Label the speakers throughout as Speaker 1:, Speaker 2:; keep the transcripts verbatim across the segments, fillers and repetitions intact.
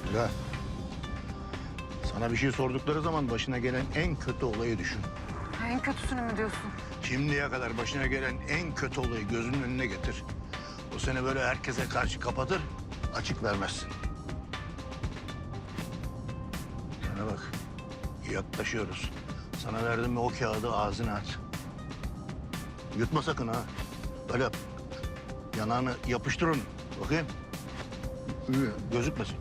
Speaker 1: Ya, sana bir şey sordukları zaman başına gelen en kötü olayı düşün.
Speaker 2: En kötüsünü mü diyorsun?
Speaker 1: Şimdiye kadar başına gelen en kötü olayı gözünün önüne getir. O seni böyle herkese karşı kapatır, açık vermezsin. Sana bak, yaklaşıyoruz. Sana verdim mi o kağıdı ağzına at. Yutma sakın ha. Böyle yap. Yanağını yapıştır onu. Bakayım. Gözükmesin.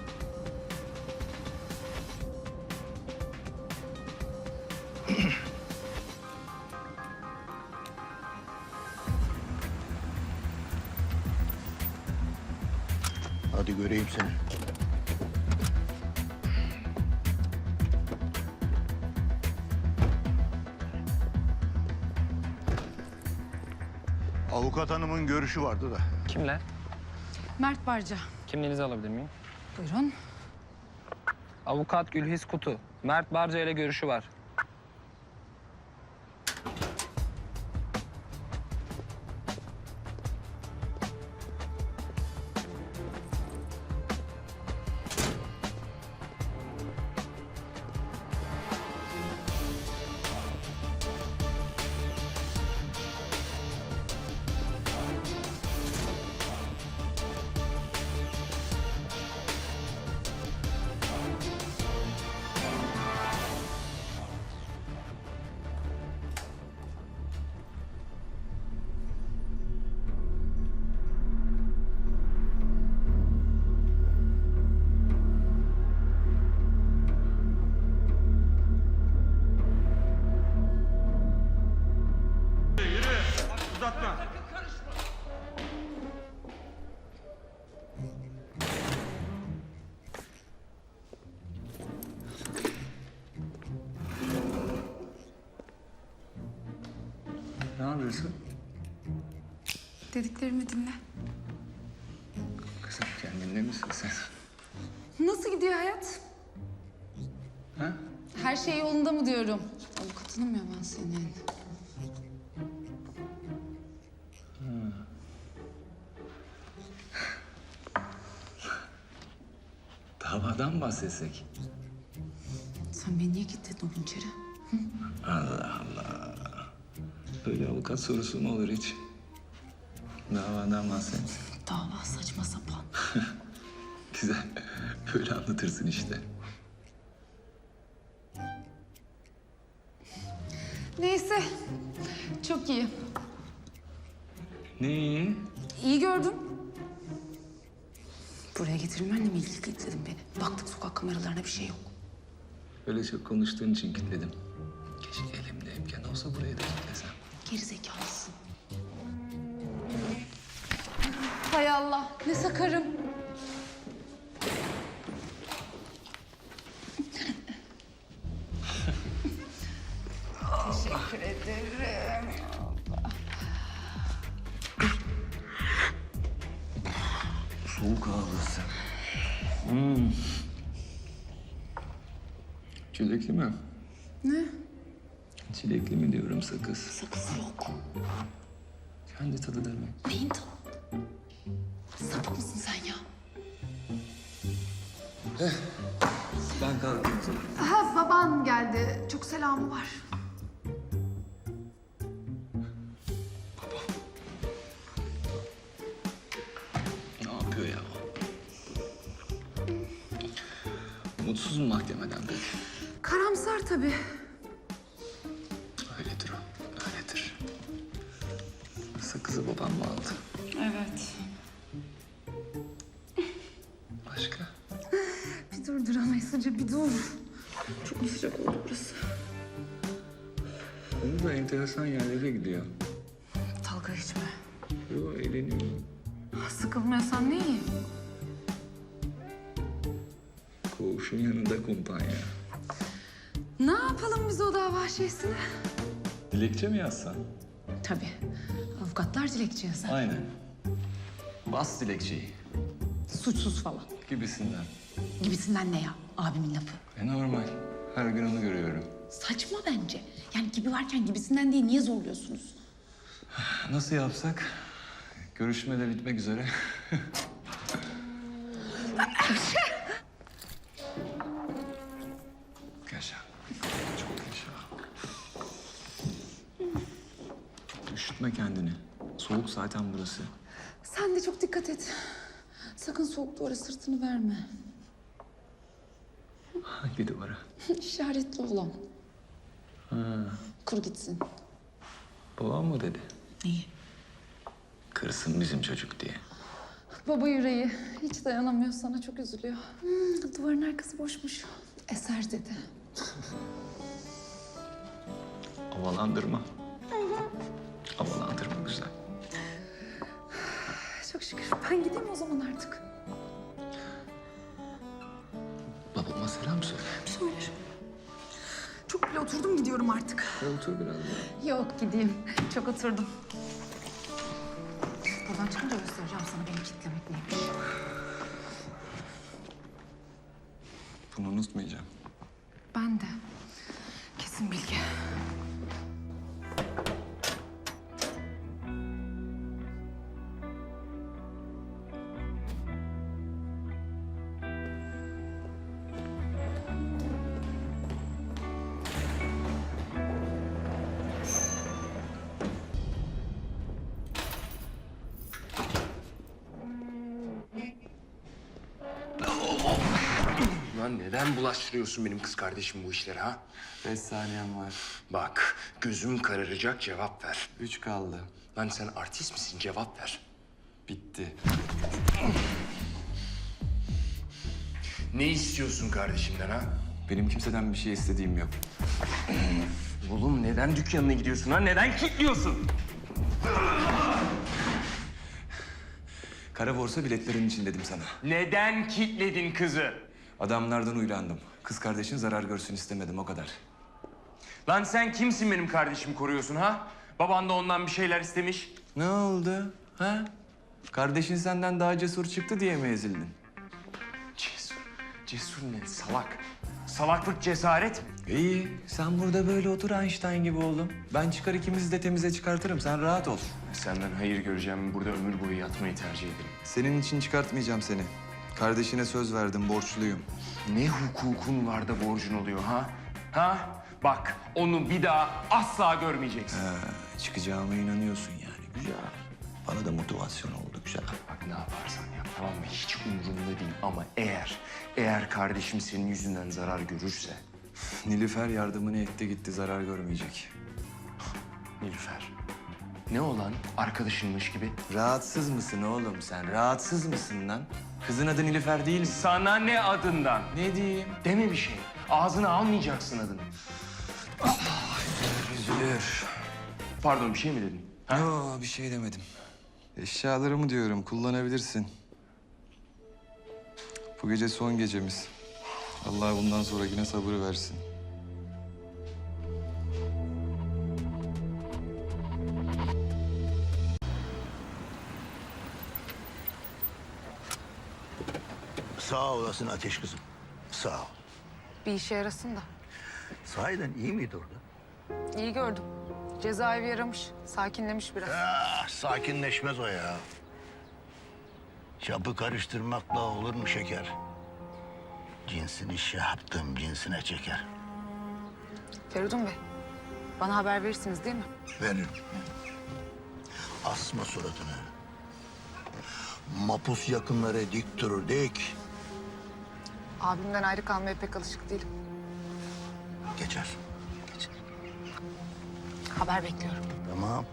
Speaker 1: Hadi göreyim seni. Avukat hanımın görüşü vardı da.
Speaker 3: Kimle?
Speaker 2: Mert Barca.
Speaker 3: Kimliğinizi alabilir miyim?
Speaker 2: Buyurun.
Speaker 3: Avukat Gülhis Kutu. Mert Barca ile görüşü var.
Speaker 4: Ne yapıyorsun?
Speaker 2: Dediklerimi dinle.
Speaker 4: Kızım kendinde misin sen?
Speaker 2: Nasıl gidiyor hayat?
Speaker 4: Ha?
Speaker 2: Her şey yolunda mı diyorum? Avukatınım ya ben senin.
Speaker 4: Davadan mı bahsetsek?
Speaker 2: Sen beni niye kilitledin oğlum içeri?
Speaker 4: Allah Allah. Böyle avukat sorusu mu olur hiç? Davadan bahset.
Speaker 2: Dava saçma sapan.
Speaker 4: Güzel. Böyle anlatırsın işte.
Speaker 2: Neyse. Çok iyi.
Speaker 4: Ne iyi?
Speaker 2: İyi gördüm. Buraya getirilmenle mi ilgili kilitledin beni? Baktık sokak kameralarına bir şey yok.
Speaker 4: Öyle çok konuştuğun için kilitledim. Keşke elimde imkan olsa burayı da kilitlesem.
Speaker 2: Gerizekalısın. Hay Allah, ne sakarım. Teşekkür ederim.
Speaker 4: Soğuk ağlasın. Hmm. Çilekli mi?
Speaker 2: Ne?
Speaker 4: Çilekli mi diyorum sakız.
Speaker 2: Sakız yok.
Speaker 4: Kendi tadı demek.
Speaker 2: Neyin tadı? Sapık mısın sen ya?
Speaker 4: Ben kalkayım sana.
Speaker 2: Ha, baban geldi. Çok selamı var.
Speaker 4: Ne yapıyor ya? Mutsuz mu mahkemeden peki?
Speaker 2: Karamsar tabii.
Speaker 4: Öyledir o, öyledir. Sakızı babam mı aldı?
Speaker 2: Evet.
Speaker 4: Başka?
Speaker 2: Bir dur duramayız Hacı, bir dur. Çok mu sıcak oldu burası?
Speaker 4: Onu da enteresan yerlere gidiyor.
Speaker 2: Dalga geçme.
Speaker 4: Yo, eğleniyor.
Speaker 2: Sıkılmıyorsan ne iyi.
Speaker 4: Koğuşun yanında kumpanya.
Speaker 2: Ne yapalım biz o dava şeysini?
Speaker 4: Dilekçe mi yazsan?
Speaker 2: Tabii. Avukatlar dilekçe yazar.
Speaker 4: Aynen. Bas dilekçeyi
Speaker 2: Suçsuz falan.
Speaker 4: gibisinden.
Speaker 2: Gibisinden ne ya? Abimin lafı.
Speaker 4: E normal. Her gün onu görüyorum.
Speaker 2: Saçma bence. Yani gibi varken gibisinden değil, niye zorluyorsunuz?
Speaker 4: Nasıl yapsak? Görüşme de bitmek üzere. Üşütme kendini. Soğuk zaten burası.
Speaker 2: Sen de çok dikkat et. Sakın soğuk duvara sırtını verme.
Speaker 4: Hangi duvara?
Speaker 2: İşaretli olan.
Speaker 4: Ha,
Speaker 2: Kur gitsin.
Speaker 4: babam mı dedi?
Speaker 2: İyi.
Speaker 4: Kırsın bizim çocuk diye.
Speaker 2: Baba yüreği hiç dayanamıyor sana, çok üzülüyor. Hmm, duvarın arkası boşmuş. Eser dedi.
Speaker 4: Havalandırma. Havalandırma güzel.
Speaker 2: Çok şükür. Ben gideyim o zaman artık.
Speaker 4: Babama selam söyle.
Speaker 2: Söylerim. Çok bile oturdum, gidiyorum artık.
Speaker 4: Ya otur biraz daha.
Speaker 2: Yok, gideyim. Çok oturdum. Buradan çıkınca göstereceğim sana beni kitlemek neymiş.
Speaker 4: Bunu unutmayacağım.
Speaker 2: Ben de. Kesin bilgi.
Speaker 5: Lan neden bulaştırıyorsun benim kız kardeşim bu işlere ha?
Speaker 6: Beş saniyem var.
Speaker 5: Bak gözüm kararacak, cevap ver.
Speaker 6: Üç kaldı.
Speaker 5: Lan sen artist misin, cevap ver.
Speaker 6: Bitti.
Speaker 5: Ne istiyorsun kardeşimden ha?
Speaker 6: Benim kimseden bir şey istediğim yok.
Speaker 5: Oğlum neden dükkanına gidiyorsun ha? Neden kilitliyorsun?
Speaker 6: Kara borsa biletlerin için dedim sana.
Speaker 5: Neden kilitledin kızı?
Speaker 6: Adamlardan uylandım. Kız kardeşin zarar görsün istemedim, o kadar.
Speaker 5: Lan sen kimsin benim kardeşimi koruyorsun ha? Baban da ondan bir şeyler istemiş.
Speaker 6: Ne oldu? Ha? Kardeşin senden daha cesur çıktı diye mi ezildin?
Speaker 5: Cesur. Cesur ne? Salak. Salaklık cesaret mi?
Speaker 6: İyi, sen burada böyle otur Einstein gibi oğlum. Ben çıkar ikimizi de temize çıkartırım, sen rahat ol.
Speaker 5: Senden hayır göreceğim, burada ömür boyu yatmayı tercih ederim.
Speaker 6: Senin için çıkartmayacağım seni. Kardeşine söz verdim, borçluyum.
Speaker 5: Ne hukukun var da borcun oluyor ha? Ha? Bak onu bir daha asla görmeyeceksin.
Speaker 6: Ha, çıkacağıma inanıyorsun yani, güzel. Bana da motivasyon oldu, güzel.
Speaker 5: Bak ne yaparsan yap tamam mı? Hiç umurumda değil ama eğer, eğer kardeşim senin yüzünden zarar görürse...
Speaker 6: Nilüfer yardımını etti gitti, zarar görmeyecek.
Speaker 5: Nilüfer, ne olan arkadaşınmış gibi?
Speaker 6: Rahatsız mısın oğlum sen? Rahatsız mısın lan? Kızın adı Nilüfer değil mi?
Speaker 5: Sana ne adından?
Speaker 6: Ne diyeyim?
Speaker 5: Deme bir şey. Ağzına almayacaksın adını.
Speaker 6: Üzülür.
Speaker 5: Pardon bir şey mi dedin? Ha?
Speaker 6: Yo, bir şey demedim. Eşyalarımı diyorum, kullanabilirsin. Bu gece son gecemiz. Allah bundan sonrakine sabır versin.
Speaker 1: Sağ olasın Ateş kızım. Sağ ol.
Speaker 7: Bir işe yarasın da.
Speaker 1: Sahiden iyi miydi orada?
Speaker 7: İyi gördüm. Cezaevi yaramış, sakinlemiş biraz.
Speaker 1: Ah, sakinleşmez o ya. Çapı karıştırmakla olur mu şeker? Cinsini şey yaptım, cinsine çeker.
Speaker 7: Feridun Bey, bana haber verirsiniz değil mi?
Speaker 1: Veririm. Asma suratını. Mapus yakınları dik durur dik.
Speaker 7: Abimden ayrı kalmaya pek alışık değilim.
Speaker 1: Geçer.
Speaker 7: Haber bekliyorum.
Speaker 1: Tamam.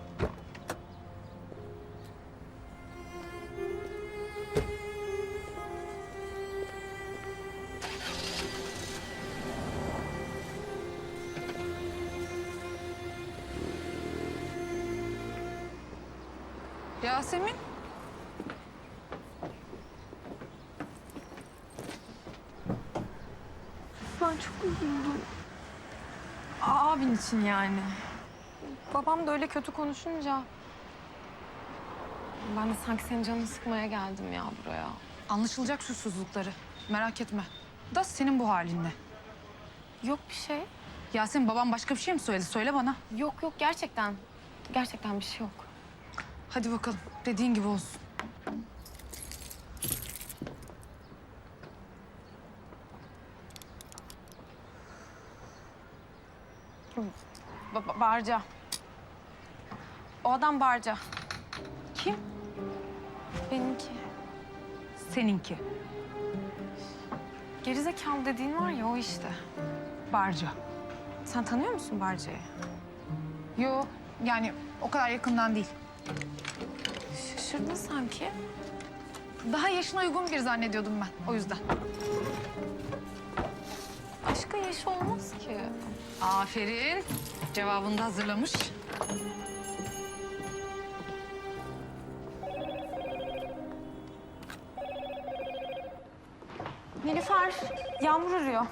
Speaker 7: Yasemin.
Speaker 2: Ben çok üzüldüm. Abin için yani.
Speaker 8: Babam da öyle kötü konuşunca... Ben de sanki senin canını sıkmaya geldim ya buraya.
Speaker 7: Anlaşılacak susuzlukları. Merak etme. Da senin bu halinde.
Speaker 8: Yok bir şey.
Speaker 7: Yasemin babam başka bir şey mi söyledi? Söyle bana.
Speaker 8: Yok yok gerçekten. Gerçekten bir şey yok.
Speaker 7: Hadi bakalım. Dediğin gibi olsun.
Speaker 8: Ba- ba- Barca. O adam Barca.
Speaker 7: Kim?
Speaker 8: Benimki.
Speaker 7: Seninki.
Speaker 8: Gerizekalı dediğin var ya o işte.
Speaker 7: Barca.
Speaker 8: Sen tanıyor musun Barca'yı?
Speaker 7: Yo, yani o kadar yakından değil.
Speaker 8: Şaşırdın sanki.
Speaker 7: Daha yaşına uygun biri zannediyordum ben, o yüzden.
Speaker 8: Başka yaşı olmaz ki.
Speaker 7: Aferin. Cevabını da hazırlamış.
Speaker 8: Nilüfer, Yağmur arıyor.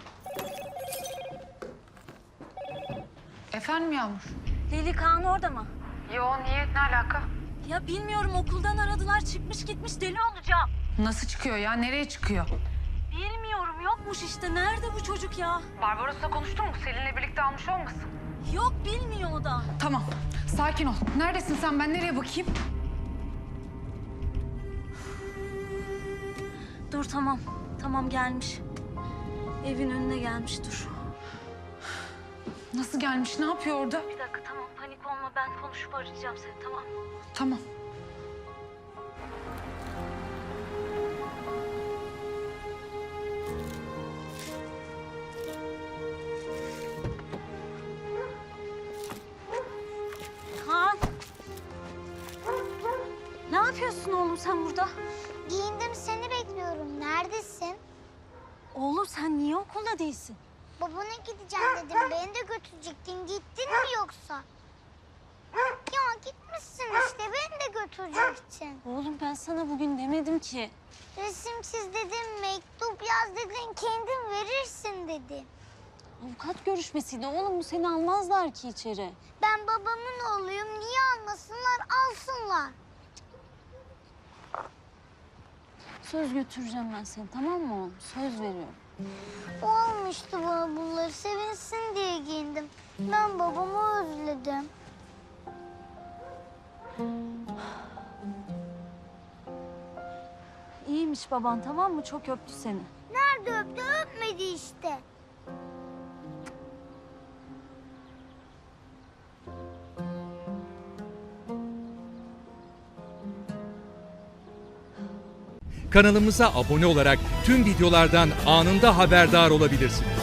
Speaker 7: Efendim Yağmur?
Speaker 9: Leyli Kaan orada mı?
Speaker 7: Yo, niye? Ne alaka?
Speaker 9: Ya bilmiyorum, okuldan aradılar, çıkmış gitmiş, deli olacağım.
Speaker 7: Nasıl çıkıyor ya? Nereye çıkıyor?
Speaker 9: Bilmiyorum, yokmuş işte. Nerede bu çocuk ya?
Speaker 7: Barbaros'la konuştun mu? Selin'le birlikte almış olmasın?
Speaker 9: Yok, bilmiyor o da.
Speaker 7: Tamam, sakin ol. Neredesin sen? Ben nereye bakayım?
Speaker 9: Dur tamam, tamam gelmiş. Evin önüne gelmiş, dur.
Speaker 7: Nasıl gelmiş? Ne yapıyor orada?
Speaker 9: Bir dakika tamam, panik olma, ben konuşup arayacağım seni, tamam.
Speaker 7: Tamam.
Speaker 9: Kaan! Ne yapıyorsun oğlum sen burada?
Speaker 10: Giyindim, seni bekliyorum. Neredesin?
Speaker 9: Oğlum sen niye okulda değilsin?
Speaker 10: Babana gideceğim dedim. Beni de götürecektin. Gittin mi yoksa? Ya gitmişsin işte. Beni de götürecektin.
Speaker 9: Oğlum ben sana bugün demedim ki.
Speaker 10: Resim çiz dedim, mektup yaz dedin, kendin verirsin dedim.
Speaker 9: Avukat görüşmesiydi oğlum, bu seni almazlar ki içeri.
Speaker 10: Ben babamın oğluyum. Niye almasınlar? Alsınlar.
Speaker 9: Söz götüreceğim ben seni, tamam mı oğlum? Söz veriyorum.
Speaker 10: O almıştı bana bunları. Sevinsin diye giyindim. Ben babamı özledim.
Speaker 9: İyiymiş baban, tamam mı? Çok öptü seni.
Speaker 10: Nerede öptü? Öpmedi işte.
Speaker 11: Kanalımıza abone olarak tüm videolardan anında haberdar olabilirsiniz.